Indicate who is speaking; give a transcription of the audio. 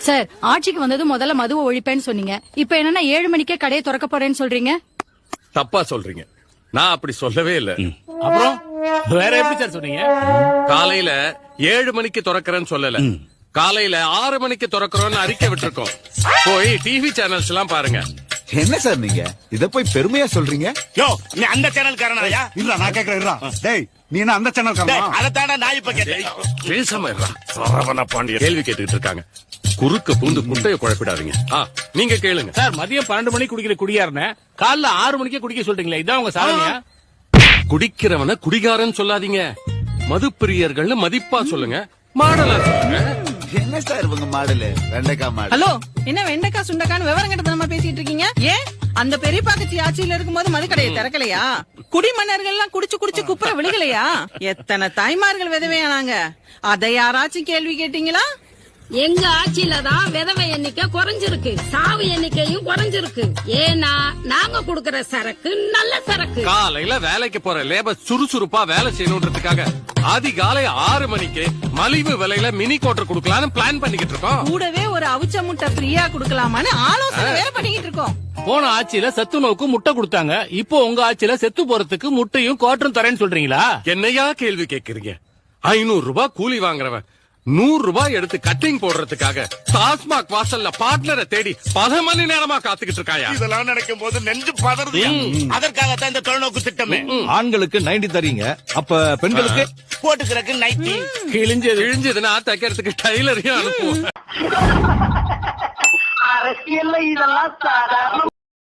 Speaker 1: Sir, ஆட்சிக்கு வந்தது முதல்ல மதுவை ஒழிப்பேன்னு சொன்னீங்க. இப்ப என்னன்னா 7 மணிக்கே கடையை திறக்க போறேன்னு சொல்றீங்க.
Speaker 2: தப்பா சொல்றீங்க. நான் அப்படி சொல்லவே இல்ல.
Speaker 3: அப்புறம் வேற எப்படி சார் சொன்னீங்க?
Speaker 2: காலையில 7 மணிக்கு திறக்கிறேன்னு சொல்லல. காலையில 6 மணிக்கு திறக்கிறோம்னு அறிக்கை விட்டுருக்கோம். போய் டிவி சேனல்ஸ் எல்லாம் பாருங்க.
Speaker 4: என்ன சார் நீங்க இத போய் பெருமையா சொல்றீங்க?
Speaker 5: யோ, நீ அந்த சேனல் காரனாயா?
Speaker 4: இல்ல நான் கேக்குறேன். டேய், நீ என்ன அந்த சேனல் காரனா?
Speaker 5: அதத்தாடா நான் இப்ப கேட்டேன்.
Speaker 2: பேசாம இருடா. சரவண பாண்டியன் கேள்வி கேட்டுட்டு இருக்காங்க. குறுக்க பூந்து குட்டைய குழப்பிடாதீங்க. நீங்க கேளுங்க.
Speaker 3: சார், மதியம் 12 மணிக்கு குடிக்கிற குடியாரன காலைல 6 மணிக்கே குடிக்க சொல்றீங்களா? இதான் உங்க சாதனையா?
Speaker 2: குடிக்கிறவன குடிகாரன்னு சொல்லாதீங்க. மதுப்பிரியர்கள்னு மதிப்பா சொல்லுங்க. மாடலா சொல்லுங்க.
Speaker 4: என்ன சார் இவங்க மாடலு? வெண்டைக்காய் மாடல்.
Speaker 6: ஹலோ, என்ன வெண்டைக்காய் சுண்டைக்கான்னு விவரம் கட்டத்தனமா பேசிட்டு இருக்கீங்க? ஏன் அந்த பெரிய பாக்கச்சி ஆட்சியில இருக்கும்போது மதுக்கடையை திறக்கலையா? குடிமன்னர்கள் எல்லாம் குடிச்சு குடிச்சு குப்புற விழுகலையா? எத்தனை தாய்மார்கள் விதவையானாங்க? அதை யாராச்சும் கேள்வி கேட்டீங்களா?
Speaker 7: எங்க ஆட்சியில தான் விதவை எண்ணிக்கை குறைஞ்சிருக்கு, சாவு எண்ணிக்கையும் குறைஞ்சிருக்கு. ஏன்னா நாங்க குடுக்கற சரக்கு நல்ல சரக்கு.
Speaker 2: காலையில வேலைக்கு போற லேபர் சுறுசுறுப்பா வேலை செய்யணுன்றதுக்காக அதிகாலை 6 மணிக்கு மலிவு விலையில மினி கோட்டர் குடுக்கலாம்னு பிளான் பண்ணிக்கிட்டு இருக்கோம்.
Speaker 6: கூடவே ஒரு அவிச்ச முட்டை ஃப்ரீயா குடுக்கலாமான்னு ஆலோசனை வேற பண்ணிக்கிட்டு இருக்கோம்.
Speaker 3: போன ஆட்சியில சத்து நோக்கு முட்டை கொடுத்தாங்க. இப்போ உங்க ஆட்சியில செத்து போறதுக்கு முட்டையும் கோட்டரும் தரேன்னு சொல்றீங்களா?
Speaker 2: என்னையா கேள்வி கேக்குறீங்க? 500 ரூபாய் கூலி வாங்குறவன் 100 ரூபாய் எடுத்து கட்டிங் போடுறதுக்காக டாஸ்மாக் வாசல்ல பார்ட்னரை தேடி 10 மணி நேரமா காத்துக்கிட்டு இருக்காயா?
Speaker 5: இதெல்லாம் நினைக்கும் போது நெஞ்சு பதறுது. அதற்காகத்தான் இந்த தொலைநோக்கு திட்டமே.
Speaker 8: ஆண்களுக்கு 90 தரீங்க, அப்ப பெண்களுக்கு
Speaker 5: போட்டுக்கிறக்கு 90.
Speaker 2: கிழிஞ்சதுன்னா தைக்கிறதுக்கு டைலரையும் அனுப்புவோம்.
Speaker 9: அரசியல்ல இதெல்லாம் சாதாரண